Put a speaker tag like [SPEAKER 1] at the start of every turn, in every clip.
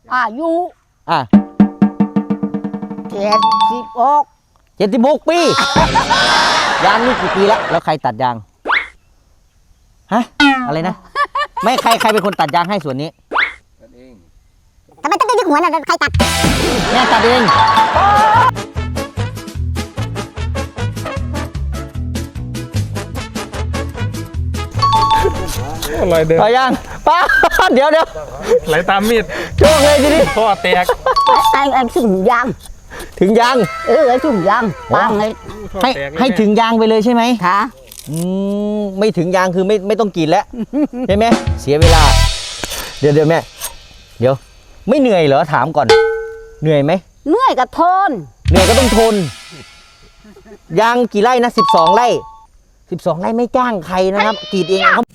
[SPEAKER 1] อายุ76
[SPEAKER 2] ปียางนี่กี่ปีแล้วใครตัดยางฮะอะไรนะไม่ใครเป็นคนตัดยางให้ส่วนนี้ตัดเองทำไมต้องยึดหัวน่ะใครตัดแม่ตัดเอง
[SPEAKER 3] ลอยเดิน
[SPEAKER 2] ต่อยางป้าเดี๋ยว
[SPEAKER 3] ไหลตามมีด
[SPEAKER 2] โชคเลยทีนี้
[SPEAKER 3] พ่อแตก
[SPEAKER 1] ไอ้ถึงยางไอ้ถึงยางปัง
[SPEAKER 2] ให้ถึงยางไปเลยใช่ไหม
[SPEAKER 1] ค่ะ
[SPEAKER 2] ไม่ถึงยางคือไม่ต้องกินแล้วใช่ไหมเสียเวลาเดี๋ยวแม่เดี๋ยวไม่เหนื่อยเหรอถามก่อนเหนื่อยไหม
[SPEAKER 1] เหนื่อยก็ทน
[SPEAKER 2] เหนื่อยก็ต้องทนยางกี่ไร่นะ12 ไร่12 ไร่ไม่จ้างใครนะครับกรีดเองครับ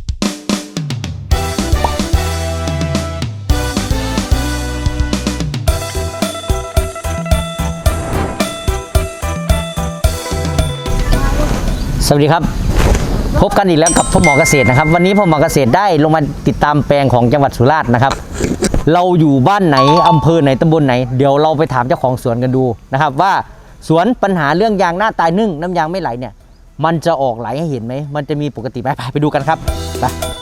[SPEAKER 2] สวัสดีครับพบกันอีกแล้วกับพ่อหมอเกษตรนะครับวันนี้พ่อหมอเกษตรได้ลงมาติดตามแปลงของจังหวัดสุราษฎร์นะครับเราอยู่บ้านไหนอำเภอไหนตำบลไหนเดี๋ยวเราไปถามเจ้าของสวนกันดูนะครับว่าสวนปัญหาเรื่องยางหน้าตายนึ่งน้ำยางไม่ไหลเนี่ยมันจะออกไหลให้เห็นไหมมันจะมีปกติไหมไปดูกันครับไป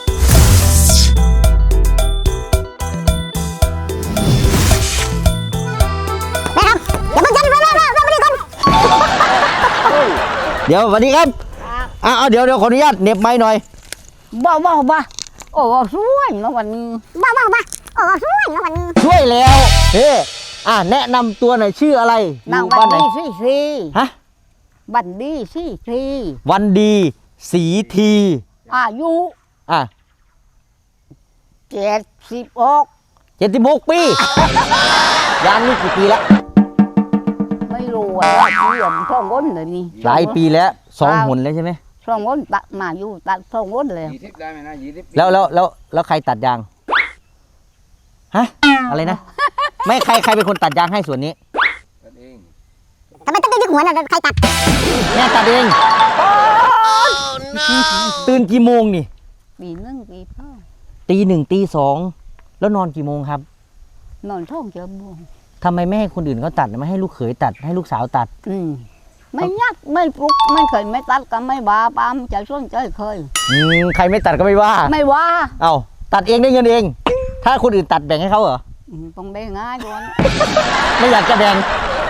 [SPEAKER 2] เดี๋ยวสวัสดีครับเดี๋ยวขออนุญาตเน็บไม้หน่อย
[SPEAKER 1] บ้าโอ้ช่วยนะวันนี้บ้าโอ้ช่วยนะวันนี้
[SPEAKER 2] ช่วยแล้วแนะนำตัวหน่อยชื่ออะไร
[SPEAKER 1] บ้านไหนสี
[SPEAKER 2] ฮะ
[SPEAKER 1] บันดีสีที
[SPEAKER 2] วันดีสีที
[SPEAKER 1] อายุ
[SPEAKER 2] 76 ปียางนี่กี่ปีแล้ว
[SPEAKER 1] ไม่รู้ว่าเหลี่ยมท่องก้นเลยนี่
[SPEAKER 2] หลายปีแล้ว2 หนแล้วใช่ไหม
[SPEAKER 1] ท่องก้นตัดมาอยู่ตัดท่องก้นเลย
[SPEAKER 4] 20 ได้ไหมนะ20
[SPEAKER 2] แล้วใครตัดยางฮะอะไรนะไม่ใครเป็นคนตัดยางให้ส่วนนี้
[SPEAKER 4] ตัดเอง
[SPEAKER 1] ทำไมต้องยึดหัวน่ะใครตัด
[SPEAKER 2] แม่ตัดเองตื่นกี่โมงนี่
[SPEAKER 1] ตี 1 ตีพ่อ
[SPEAKER 2] ตี 1 ตี 2แล้วนอนกี่โมงครับ
[SPEAKER 1] นอนท่องเจอโมง
[SPEAKER 2] ทำไมไม่ให้คนอื่นเขาตัดไม่ให้ลูกเขยตัดให้ลูกสาวตัด
[SPEAKER 1] ไม่ยักไม่ปลุกไม่เคยไม่ตัดก็ไม่ว่าปามจะส่วนใจเคย
[SPEAKER 2] ใครไม่ตัดก็ไม่ว่าเอ้าตัดเองได้เงินเองถ้าคนอื่นตัดแบ่งให้เขาเหรอ
[SPEAKER 1] ต้องได้ง่ายด้วย
[SPEAKER 2] ไม่อยากจะแบ่ง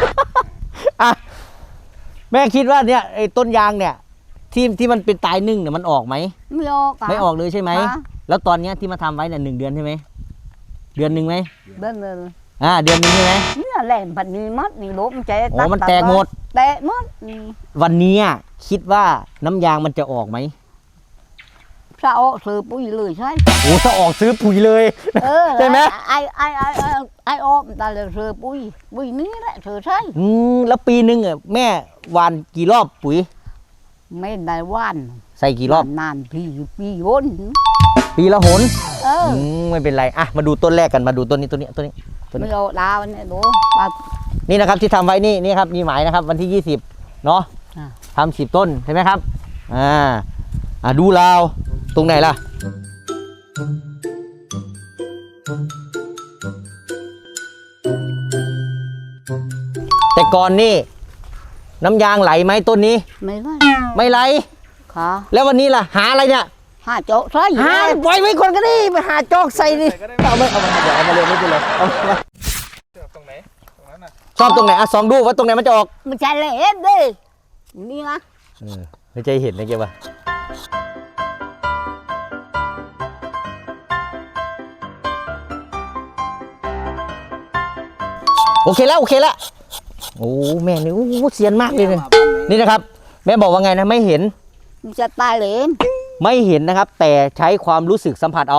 [SPEAKER 2] แม่คิดว่าเนี่ยไอ้ต้นยางเนี่ยที่มันเป็นตายนึ่งเนี่ยมันออกไหมไม่ออกเลยใช่ไหมแล้วตอนนี้ที่มาทำไว้เนี่ย1 เดือนใช่ไหมเดือน 1ไหม
[SPEAKER 1] เดือน 1
[SPEAKER 2] เดือน 1ใช่ไหม
[SPEAKER 1] เนี่ยแหลมพันนี้มัดนี่ลบมันจะ
[SPEAKER 2] มันแตกหมดวันนี้คิดว่าน้ำยางมันจะออกไหม
[SPEAKER 1] ถ้าออกซื้อปุ๋ยเลยใช่
[SPEAKER 2] ถ้าออกซื้อปุ๋ยเลยใช่ไหม
[SPEAKER 1] ไอออกแต่เลยซื้อปุ๋ยนี้แหละซื้อใช่
[SPEAKER 2] แล้วปีนึงแม่หว่านกี่รอบปุ๋ย
[SPEAKER 1] ไม่ได้ว่าน
[SPEAKER 2] ใส่กี่รอบ
[SPEAKER 1] นานปีหน
[SPEAKER 2] ปีละหนไม่เป็นไรมาดูต้นแรกกันมาดูต้นนี้
[SPEAKER 1] ไม่เอาดาวเนี่ยดู
[SPEAKER 2] นี่นะครับที่ทำไว้นี่ครับมีหมายนะครับวันที่20เนาะทำ10 ต้นใช่ไหมครับดูราวตรงไหนล่ะแต่ก่อนนี่น้ำยางไหลไหมต้นนี้ไม่ไหล
[SPEAKER 1] ค่ะ
[SPEAKER 2] แล้ววันนี้ล่ะหาอะไรเนี่ย
[SPEAKER 1] หาโจ๊กใส่
[SPEAKER 2] ปล่อยไว้คนก็ได้ไปหาโจ๊กใส่ดิเอามาเลยไม่เป็นไรเอามา
[SPEAKER 3] ตรงไหนตรงนั้นน่ะ
[SPEAKER 2] ชอบตรงไหนส่องดูว่าตรงไหนมันจะออก
[SPEAKER 1] มันจะเห็นดินี่นะ
[SPEAKER 2] ไม่ใจเห็นนะเกี่ยวป่ะโอเคแล้วโอ้แม่นี่เซียนมากเลยนี่นะครับแม่บอกว่าไงนะไม่เห็น
[SPEAKER 1] มันจะตายเลย
[SPEAKER 2] ไม่เห็นนะครับแต่ใช้ความรู้สึกสัมผัสเอา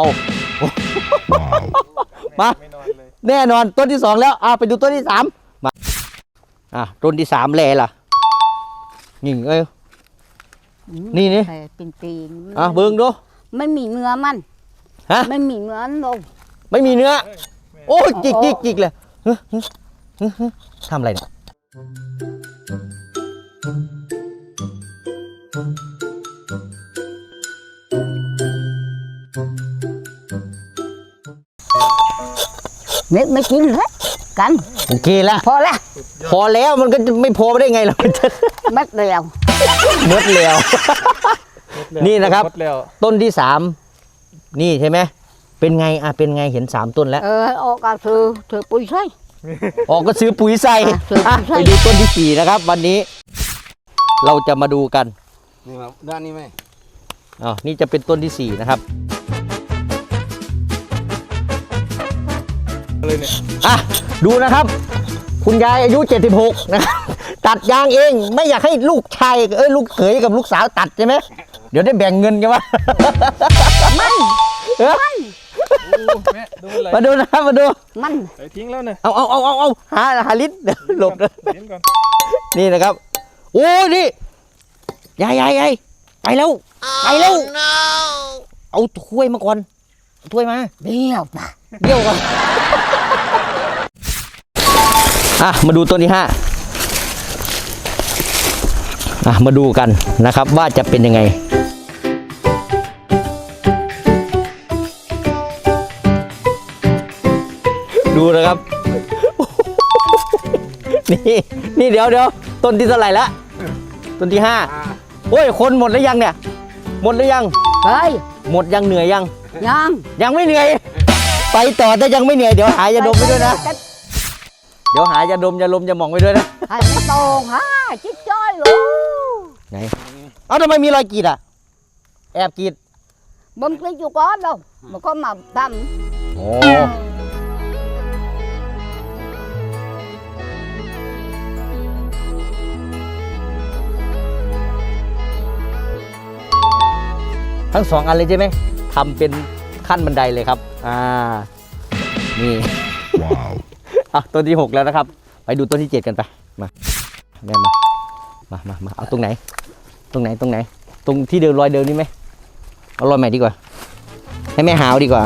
[SPEAKER 2] มาแน่นอนต้นที่2แล้วไปดูต้นที่3มาต้นที่3แลล่ะนี่นี่
[SPEAKER 1] เป็นตีน
[SPEAKER 2] เบิ่งดู
[SPEAKER 1] ไม่มีเนื้อมันไม่มีเนื้อลง
[SPEAKER 2] ไม่มีเนื้อโอ้จิกเลยทำอะไรเนี่ย
[SPEAKER 1] ไม่กินเลยกัน
[SPEAKER 2] โอเคแล้ว
[SPEAKER 1] พอแล้ว
[SPEAKER 2] พอแล้วมันก็จะไม่พอได้ไงล่ะ มันจะ
[SPEAKER 1] เม็ดเดียว
[SPEAKER 2] หมดแล้ว นี่นะครับ
[SPEAKER 3] หมดแล้ว
[SPEAKER 2] ต้นที่3นี่ใช่ไหมเป็นไงเป็นไงเห็น3ต้นแล้ว
[SPEAKER 1] ออกก็ถือปุ๋ยใส่
[SPEAKER 2] ออกก็ซื้อปุ๋ยใส่
[SPEAKER 1] ซื้อปุ๋ยใส่
[SPEAKER 2] ไปดูต้นที่4นะครับ วันนี้เราจะมาดูกัน
[SPEAKER 4] นี่มาด้านนี้ไหม
[SPEAKER 2] นี่จะเป็นต้นที่4นะครับ
[SPEAKER 3] เลยเนี่ย
[SPEAKER 2] ดูนะครับ คุณยายอายุ76นะครับตัดยางเองไม่อยากให้ลูกชายลูกเขยกับลูกสาวตัดใช่ไหมเดี๋ยวได้แบ่งเงินกันวะ
[SPEAKER 1] มัน
[SPEAKER 3] แม่ดูอะไร
[SPEAKER 2] มาดูนะครับมาดู
[SPEAKER 1] มัน
[SPEAKER 3] ไปทิ้งแล้วเนี่ย
[SPEAKER 2] เอาหาลิ้นเดี๋ยวหลบนะ
[SPEAKER 3] ทิ้งก่อน
[SPEAKER 2] นี่นะครับโอ้นี่ยายไปแล้วเอาถ้วยมาก่อนเอาถ้วยมา
[SPEAKER 1] เบี้ยวปะ
[SPEAKER 2] เดี๋ยวก่อนมาดูต้นที่5มาดูกันนะครับว่าจะเป็นยังไงดูนะครับ นี่เดี๋ยวต้นที่เท่าไหร่ละต้นที่5โอ้ยคนหมดแล้วยังเนี่ยหมดแล้วยัง
[SPEAKER 1] เฮ้ย
[SPEAKER 2] หมดยังเหนื่อยยัง
[SPEAKER 1] ยัง
[SPEAKER 2] ไม่เหนื่อย ไปต่อแต่ยังไม่เหนื่อยเดี๋ยวหายาดมไปด้วยนะเดี๋ยวหายาดมยาลมยาหมองไปด้วยนะ
[SPEAKER 1] ให้ไม่ตรงฮะจิ๊กจ้อยลูก
[SPEAKER 2] ไหนทำไมมีรอยกรีดแอบกรีด
[SPEAKER 1] bấm cái chú có đâu mà có mà thầm
[SPEAKER 2] โอ้ทั้ง2 อันเลยใช่ไหมทำเป็นขั้นบันไดเลยครับนี่ว้าวต้นที่6แล้วนะครับไปดูต้นที่7กันไปมาแม่มาเอาตรงไหนตรงที่เดินรอยเดิมนี่ไหมเอารอยใหม่ดีกว่าให้แม่หาวดีกว่า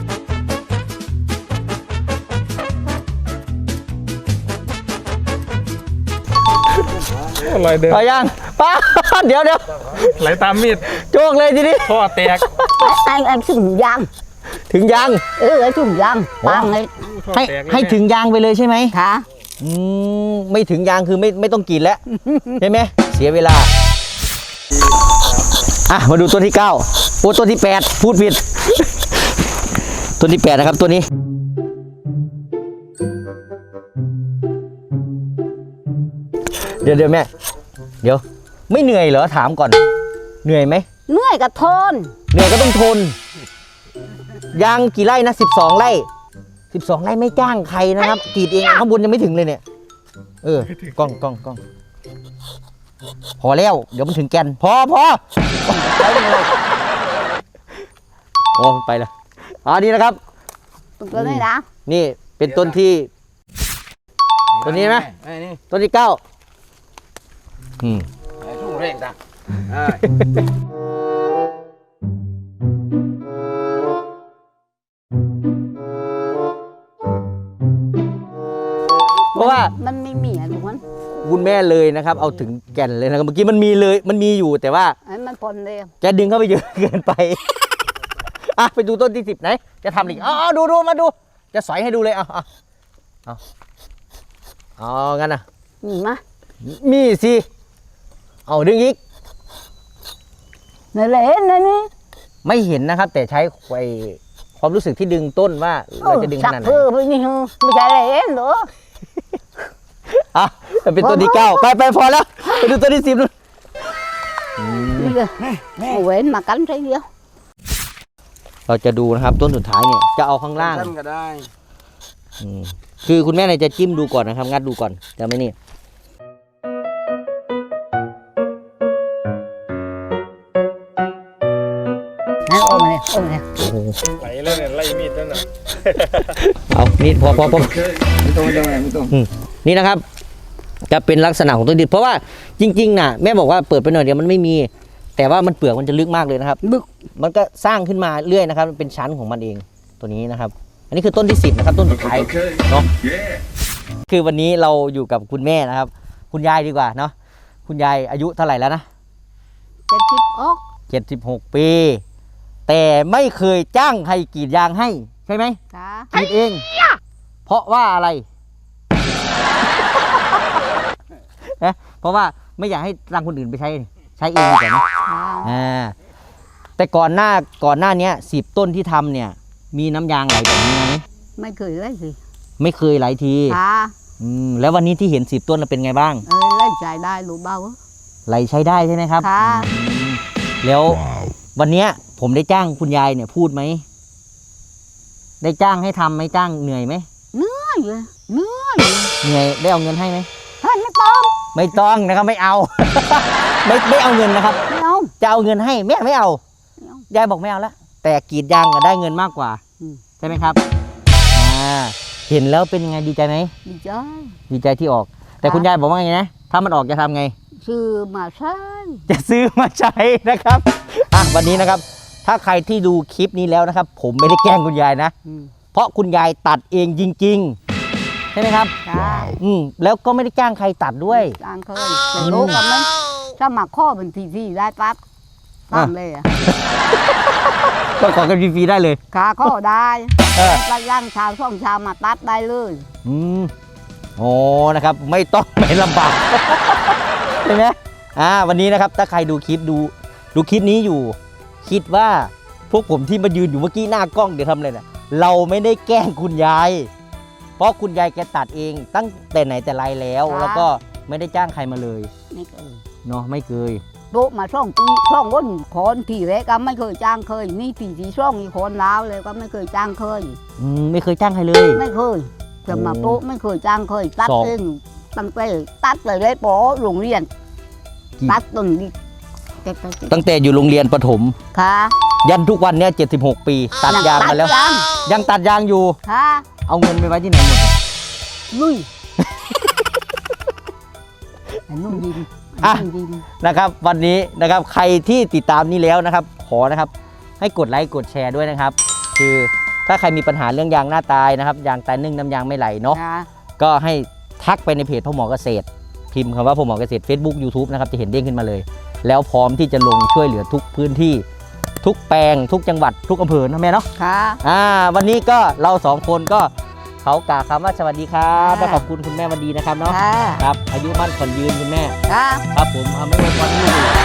[SPEAKER 3] รอยเดิม
[SPEAKER 2] เอายังป้า เดี๋ยว
[SPEAKER 3] ไหลตามมีด
[SPEAKER 2] โจกเลยทีนี้
[SPEAKER 3] ท่อแตก
[SPEAKER 1] anh thùng giang
[SPEAKER 2] ถึงยาง
[SPEAKER 1] cái thùng giang bằng ấy
[SPEAKER 3] ท่อ
[SPEAKER 2] ให้
[SPEAKER 3] แตกเลย
[SPEAKER 2] ให้ถึงยางไปเลยใช่ไหม
[SPEAKER 1] hả
[SPEAKER 2] ไม่ถึงยางคือไม่ต้องกรีดแล้ว ใช่ไหมเสียเวลามาดูต้นที่9ต้นที่8พูดผิด ต้นที่8นะครับตัวนี้เดี๋ยวแม่เดี๋ยวไม่เหนื่อยเหรอถามก่อนเหนื่อยไหม
[SPEAKER 1] nuôi cả thôn
[SPEAKER 2] เหนื่อยก็ต้องทนยางกี่ไร่นะ12 ไร่12 ไร่ไม่จ้างใครนะครับกรีดเองข้างบนยังไม่ถึงเลยเนี่ยกล้องพอแล้วเดี๋ยวมันถึงแกนพอโอ้มันไปแล้วนี่นะครับ
[SPEAKER 1] ตัวนี้นะ
[SPEAKER 2] นี่เป็นต้นที่ต้นนี้ไหม
[SPEAKER 4] นี่
[SPEAKER 2] ต้นที่9
[SPEAKER 4] ไอ้ทุ่งเร่งตา
[SPEAKER 2] เพราะว่า
[SPEAKER 1] มันไม่มีอ่ะทุกคน
[SPEAKER 2] คุณแม่เลยนะครับ เอาถึงแก่นเลยนะครับเมื่อกี้มันมีอยู่แต่ว่า
[SPEAKER 1] ไอ้มันพนเลย
[SPEAKER 2] แกดึงเข้าไปเยอะเกินไป ไปดูต้นที่10ไหนจะทำอีกดูมาดูจะสอยให้ดูเลยงั้นนะ
[SPEAKER 1] มีมะ
[SPEAKER 2] มีสิเอาดึงอีก
[SPEAKER 1] นี่เลยนี่นี่
[SPEAKER 2] ไม่เห็นนะครับ แต่ใช้ความรู้สึกที่ดึงต้นว่าเราจะดึงขนาดไหน
[SPEAKER 1] สักเพื่อไม่นี่ไม่ใช่เลยเหรอ
[SPEAKER 2] มันเป็นต้นที่9ไปพอแล้วไปดูต้นที่10นู่น
[SPEAKER 1] นี่เลยเว้นมากันใช่เดียว
[SPEAKER 2] เราจะดูนะครับต้นสุดท้ายเนี่ยจะเอาข้างล่าง
[SPEAKER 4] สั้นก็ได้
[SPEAKER 2] คือคุณแม่เนี่ยจะจิ้มดูก่อนนะครับงัดดูก่อนจะไม่นี่
[SPEAKER 1] นั่นโอ้มาเลย
[SPEAKER 3] ไหลแล้วเนี่ยไล่มีดแล้วน่ะ
[SPEAKER 2] เอานี่พอ
[SPEAKER 4] ไม่ต้อง
[SPEAKER 2] นี่นะครับ จะเป็นลักษณะของต้นดิบเพราะว่าจริงๆน่ะแม่บอกว่าเปิดไปหน่อยเดียวมันไม่มี แต่ว่ามันเปลือกมันจะลึกมากเลยนะครับลึกมันก็สร้างขึ้นมาเรื่อยนะครับมันเป็นชั้นของมันเองตัวนี้นะครับ อันนี้คือต้นที่10นะครับต้นสุดท้ายเนาะคือวันนี้เราอยู่กับคุณแม่นะครับ คุณยายดีกว่าเนาะคุณยายอายุเท่าไหร่แล้วนะ 76 ปี แต่ไม่เคยจ้างใครกรีดยางให้ใช่ไหม
[SPEAKER 1] ค่ะ
[SPEAKER 2] กรีดเองเพราะว่าอะไร นะเพราะว่าไม่อยากให้รังคนอื่นไปใช้เองดีกว่านะแต่ก่อนหน้านี้10 ต้นที่ทำเนี่ยมีน้ำยางไหลแบบนี้ไหม
[SPEAKER 1] ไม่เคยเลยสิ
[SPEAKER 2] ไม่เคยไหลที
[SPEAKER 1] ค่ะ
[SPEAKER 2] แล้ววันนี้ที่เห็น10 ต้นเป็นไงบ้าง
[SPEAKER 1] ไล่ใจได้รู้เบา
[SPEAKER 2] ไหลใช้ได้ใช่ไหมครับ
[SPEAKER 1] ค่ะ
[SPEAKER 2] แล้ววันเนี้ยผมได้จ้างคุณยายเนี่ยพูดไหมได้จ้างให้ทำไหมจ้างเหนื่อยไหม
[SPEAKER 1] เหนื่อยเลย
[SPEAKER 2] เหนื่อยได้เอาเงินให้ไหม
[SPEAKER 1] ให้ไม่ต้อง
[SPEAKER 2] ไม่ต้องนะครับไม่เอา ไม่เอาเงินนะครับ
[SPEAKER 1] ไม่เอา
[SPEAKER 2] จะเอาเงินให้แม่ไม่เอา
[SPEAKER 1] ไม่เอา
[SPEAKER 2] ยายบอกไม่เอาแล้วแต่กรีดยางก็ได้เงินมากกว่า
[SPEAKER 1] อืม
[SPEAKER 2] ใช่ไหมครับเห็นแล้วเป็นยังไงดีใจไหม
[SPEAKER 1] ดีใจ
[SPEAKER 2] ดีใจที่ออก แต่คุณยายบอกว่าไงนะถ้ามันออกจะทำไง
[SPEAKER 1] ซื้อมาใช้
[SPEAKER 2] จะซื้อมาใช้นะครับวันนี้นะครับ ถ้าใครที่ดูคลิปนี้แล้วนะครับ ผมไม่ได้แกล้งคุณยายนะ เพราะคุณยายตัดเองจริงๆใช่ไหมครับ
[SPEAKER 1] ค่ะ
[SPEAKER 2] แล้วก็ไม่ได้จ้างใครตัดด้วย
[SPEAKER 1] จ้างเคยแต่รู้กันไหมถ้ามาข้อเป็นทีได้ปั๊บตามเลยอ่ะ
[SPEAKER 2] ก็ขอกันฟรีๆได้เลย
[SPEAKER 1] ขาข้อได้
[SPEAKER 2] เออ
[SPEAKER 1] ตัดย่างชาวช่องชาวมาตัดได้เลย
[SPEAKER 2] โอ้นะครับ ไม่ต้องไปลำบาก ใช่ไหมวันนี้นะครับ ถ้าใครดูคลิปดูคลิปนี้อยู่ คิดว่าพวกผมที่มายืนอยู่เมื่อกี้หน้ากล้องเดี๋ยวทำอะไรนะเราไม่ได้แกล้งคุณยาย เพราะคุณยายแกตัดเองตั้งแต่ไหนแต่ไรแล้ว แล้วก็ไม่ได้จ้างใครมาเลย
[SPEAKER 1] ไม่เคย
[SPEAKER 2] เนาะไม่เคย
[SPEAKER 1] โตมาช่องปีช่องวนคนทีแรกก็ไม่เคยจ้างเคยนี่ที่ช่องอีกคนแล้วเลยก็ไม่เคยจ้างเคย
[SPEAKER 2] ไม่เคยจ้างใครเลย
[SPEAKER 1] ไม่เคยจะมาโตไม่เคยจ้างเคยตัด
[SPEAKER 2] สอง
[SPEAKER 1] เองตั้งแต่ตัดเลยปอโรงเรียน ตัดต้นนี้
[SPEAKER 2] ตั้งแต่อยู่โรงเรียนประถม
[SPEAKER 1] ค่ะ
[SPEAKER 2] ยันทุกวันเนี้ย76 ปี ตัดยางมาแล้ว
[SPEAKER 1] ตัดยาง
[SPEAKER 2] ยังตัดยางอยู่
[SPEAKER 1] ค่ะ
[SPEAKER 2] เอาเงินไปไว้ที่ไหนหมด
[SPEAKER 1] ลุยไอ้นุ่มดิน
[SPEAKER 2] อ่ะ
[SPEAKER 1] ไอ้นุ่มดิน
[SPEAKER 2] นะครับวันนี้นะครับใครที่ติดตามนี้แล้วนะครับ ขอนะครับให้กดไลค์กดแชร์ด้วยนะครับ คือถ้าใครมีปัญหาเรื่องยางหน้าตายนะครับยางตายนึ่งน้ำยางไม่ไหลเนาะ
[SPEAKER 1] ค่ะ
[SPEAKER 2] ก็ให้ทักไปในเพจพ่อหมอเกษตร พิมพ์คำว่าพ่อหมอเกษตร Facebook YouTube นะครับจะเห็นเด้งขึ้นมาเลย แล้วพร้อมที่จะลงช่วยเหลือทุกพื้นที่ ทุกแปลงทุกจังหวัดทุกอำเภอนะแม่เนาะ
[SPEAKER 1] ค่ะ
[SPEAKER 2] วันนี้ก็เรา2 คนก็เขากล่าวคำว่าสวัสดีครับ
[SPEAKER 1] ค่ะ
[SPEAKER 2] และขอบคุณคุณแม่วันดีนะครับเนาะ
[SPEAKER 1] ค่ะ
[SPEAKER 2] ครับอายุมั่นขวัญยืนคุณแม่
[SPEAKER 1] ค่ะ
[SPEAKER 2] ครับผมไม่อวยพรให้ลูก